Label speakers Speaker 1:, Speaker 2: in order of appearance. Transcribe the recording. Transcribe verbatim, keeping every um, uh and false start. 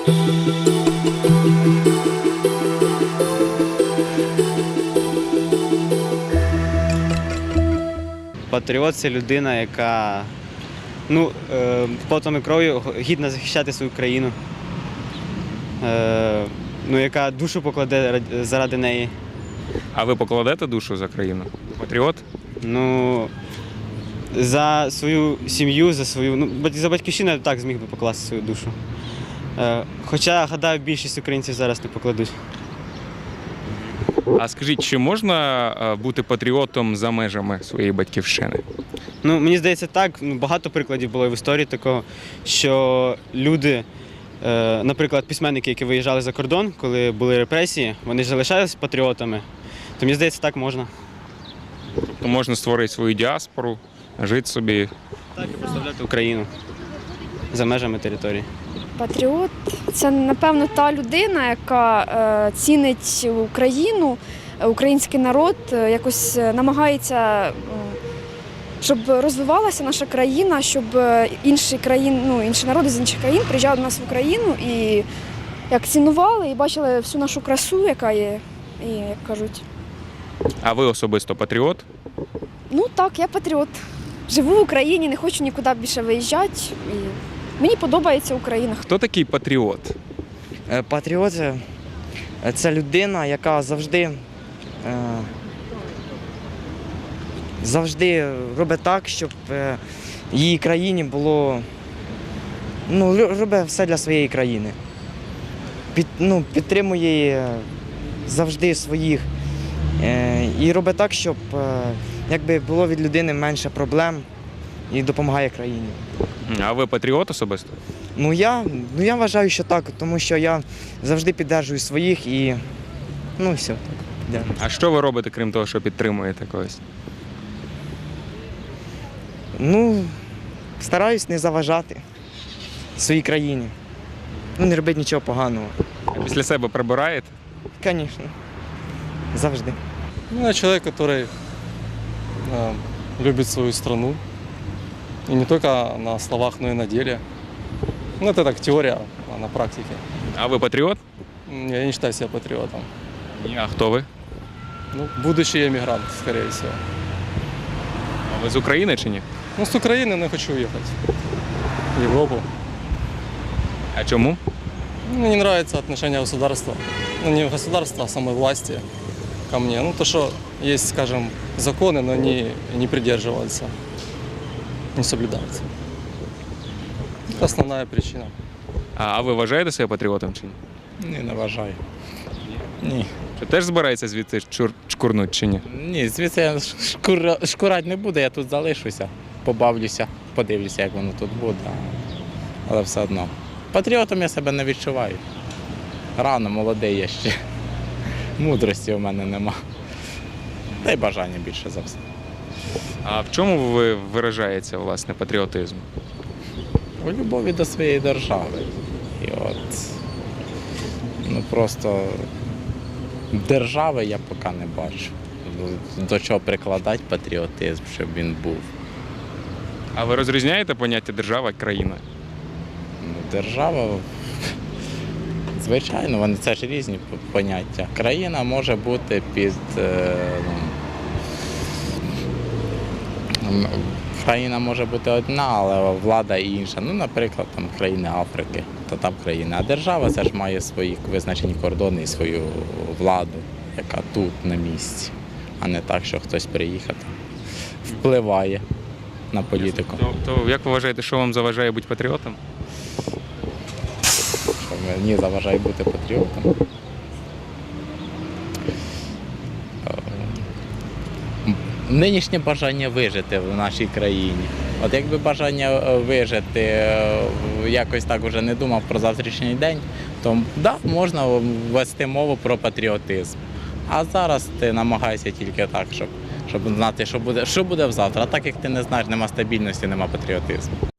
Speaker 1: Патріот – це людина, яка ну, е, потом і кров'ю гідно захищати свою країну, е, ну, яка душу покладе заради неї.
Speaker 2: А ви покладете душу за країну? Патріот?
Speaker 1: Ну, за свою сім'ю, за свою, ну, за батьківщину я так зміг би покласти свою душу. Е, хоча, гадаю, більшість українців зараз не покладуть.
Speaker 2: А скажіть, чи можна бути патріотом за межами своєї батьківщини?
Speaker 1: Ну, мені здається, так. Ну, багато прикладів було в історії такого, що люди, е, наприклад, письменники, які виїжджали за кордон, коли були репресії, вони ж залишалися патріотами. То мені здається, так можна.
Speaker 2: Тобто можна створити свою діаспору, жити собі.
Speaker 1: Так, і представляти Україну за межами території.
Speaker 3: Патріот – це, напевно, та людина, яка е, цінить Україну, український народ, е, якось намагається, е, щоб розвивалася наша країна, щоб інші країни, ну, інші народи з інших країн приїжджали до нас в Україну і як цінували і бачили всю нашу красу, яка є, і, як кажуть.
Speaker 2: А ви особисто патріот?
Speaker 3: Ну так, я патріот. Живу в Україні, не хочу нікуди більше виїжджати. І мені подобається Україна.
Speaker 2: Хто такий патріот?
Speaker 4: Патріот – це людина, яка завжди, завжди робить так, щоб її країні було, ну, робить все для своєї країни. Під, ну, підтримує завжди своїх і робить так, щоб якби було від людини менше проблем і допомагає країні.
Speaker 2: А ви патріот особисто?
Speaker 4: Ну я, ну я вважаю, що так, тому що я завжди підтримую своїх і ну все, так, підтримую.
Speaker 2: А що ви робите, крім того, що підтримуєте когось?
Speaker 4: Ну, стараюсь не заважати своїй країні. Ну, не робити нічого поганого.
Speaker 2: А після себе прибираєте?
Speaker 4: Звісно, завжди.
Speaker 5: Ну, я человек, который э, любит свою страну. И не только на словах, но и на деле. Ну, это так теория, а на практике.
Speaker 2: А ви патріот?
Speaker 5: Я не считаю себя патриотом.
Speaker 2: Ні. А хто ви?
Speaker 5: Ну, будущий эмигрант, скорее всего.
Speaker 2: А ви з України чи ні?
Speaker 5: Ну, с Украины, но я хочу уехать в Европу.
Speaker 2: А чому?
Speaker 5: Мне не нравится отношение государства. Ну, не государства, а самой власти ко мне. Ну, то, что есть, скажем, законы, но они не придерживаются, не соблюдаются. Это основная причина.
Speaker 2: А, а ви вважаєте себе патріотом чи ні?
Speaker 6: Ні, не вважаю. Ні.
Speaker 2: Чи теж збирається звідси чур... чкурнуть чи ні?
Speaker 6: Ні, звідси я шкур... шкурать не буду, я тут залишуся, побавлюся, подивлюся, як воно тут буде. Але все одно. Патріотом я себе не відчуваю. Рано, молодий я ще. Мудрості у мене нема. Та й бажання більше за все.
Speaker 2: А в чому ви виражається, власне, патріотизм?
Speaker 6: У любові до своєї держави. І от, ну просто держави я поки не бачу. До чого прикладати патріотизм, щоб він був.
Speaker 2: А ви розрізняєте поняття держава і країна?
Speaker 6: Ну, держава, звичайно, вони це ж різні поняття. Країна може бути під е, ну, країна може бути одна, але влада інша. Ну, наприклад, там країни Африки, то там країна. А держава це ж має свої визначені кордони і свою владу, яка тут на місці, а не так, що хтось приїхав, впливає на політику.
Speaker 2: То, то як ви вважаєте, що вам заважає бути патріотом?
Speaker 6: Що мені заважає бути патріотом? Нинішнє бажання вижити в нашій країні. От якби бажання вижити, якось так уже не думав про завтрашній день, то да, можна вести мову про патріотизм. А зараз ти намагаєшся тільки так, щоб, щоб знати, що буде, що буде завтра. А так як ти не знаєш, нема стабільності, нема патріотизму.